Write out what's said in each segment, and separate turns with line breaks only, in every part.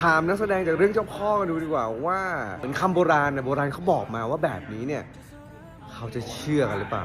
ถามนักแสดงจากเรื่องเจ้าพ่อกันดูดีกว่าว่าเหมือนคำโบราณนะโบราณเขาบอกมาว่าแบบนี้เนี่ยเขาจะเชื่อกันหรือเปล่า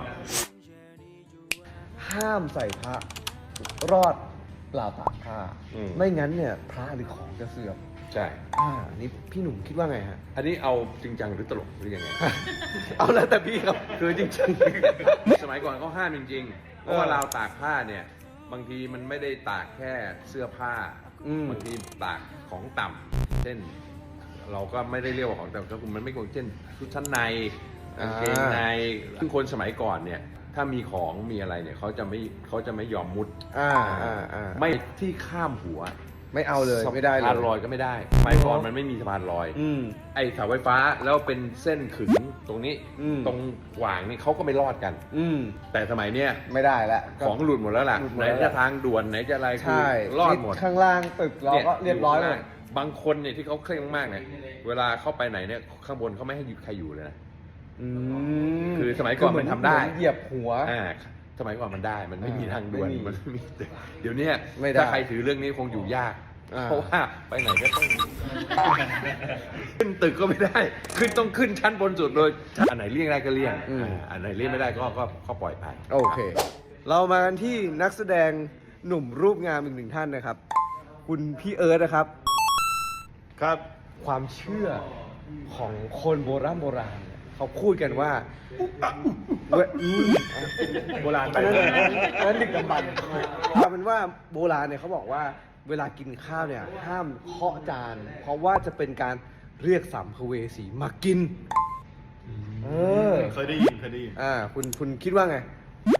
ห้ามใส่พระรอดเปล่าตากผ้าไม่งั้นเนี่ยพระหรือของจะเสื่อม
ใช่
นี่พี่หนุ่มคิดว่าไงฮะ
อันนี้เอาจริงจังหรือตลกหรือยังไง
เอาแล้วแต่พี่ครับ
คือจริงๆ สมัยก่อนเขาห้ามจริงๆ เพราะว่าราวตากผ้าเนี่ยบางทีมันไม่ได้ตากแค่เสื้อผ้าบางทีตากของต่ำเช่นเราก็ไม่ได้เรียกว่าของต่ำก็คือมันไม่ควรเช่นชุดชั้นในกางเกงในซึ่งคนสมัยก่อนเนี่ยถ้ามีของมีอะไรเนี่ยเขาจะไม่ยอมมุดไม่ที่ข้ามหัว
ไม่เอาเลยไม่ได้เลย
สะพานลอยก็ไม่ได้สมัยก่อนมันไม่มีสะพานลอยไอ้เสาไฟฟ้าแล้วเป็นเส้นขึงตรงนี้ตรงหว่างนี่เขาก็ไม่รอดกันแต่สมัยเนี้ย
ไม่ได้แล้ว
ของหลุดหมดแล้วล่ะไหนจะทางด่วนไหนจะอะไรคือรอดหมด
ข้างล่างตึกเราก็เรียบร้อยเลย
บางคนเนี่ยที่เขาเคร่งมากเนี่ยเวลาเข้าไปไหนเนี่ยข้างบนเขาไม่ให้ใครอยู่เลยนะคือสมัยก่อนมันทำได้
เหยียบหัว
สมัยก่อนมันได้มันไม่มีทางด่วนมันไม่มีเดี๋ยวนี้ถ้าใครถือเรื่องนี้คงอยู่ยากเพราะว่าไปไหนก็ต้องขึ้นตึกก็ไม่ได้ต้องขึ้นชั้นบนสุดเลยอันไหนเลี่ยงได้ก็เลี่ยงอันไหนเลี่ยงไม่ได้ก็ปล่อยไป
โอเคเรามากันที่นักแสดงหนุ่มรูปงามอีกหนึ่งท่านนะครับคุณพี่เอิร์ธนะครับ
ครับ
ความเชื่อของคนโบราณเขาพูดกันว่า
โบราณไป
นั้นดึกดำบรรพ์เอาเป็นว่าโบราณเนี่ยเขาบอกว่าเวลากินข้าวเนี่ยห้ามเคาะจานเพราะว่าจะเป็นการเรียกสัมภเวสีมากิน
เคยได้ยิน
คุณคิดว่าไง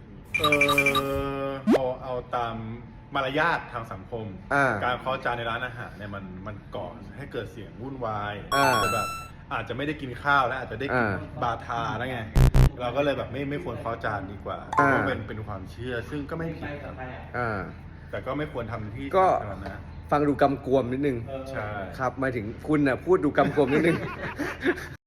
เอาตามมารยาททางสังคมการเคาะจานในร้านอาหารเนี่ยมันก่อให้เกิดเสียงวุ่นวายแบบอาจจะไม่ได้กินข้าวแล้วอาจจะได้กินบาทาแล้วไงเราก็เลยแบบไม่ควรเคาะจานดีกว่าเพราะเป็นความเชื่อซึ่งก็ไม่ผิดครับแต่ก็ไม่ควรทำที่
ก็
สาธารณะ
ฟังดูกำกวมนิดนึง
ใช่
ครับหมายถึงคุณน่ะพูดดูกำกวมนิดนึง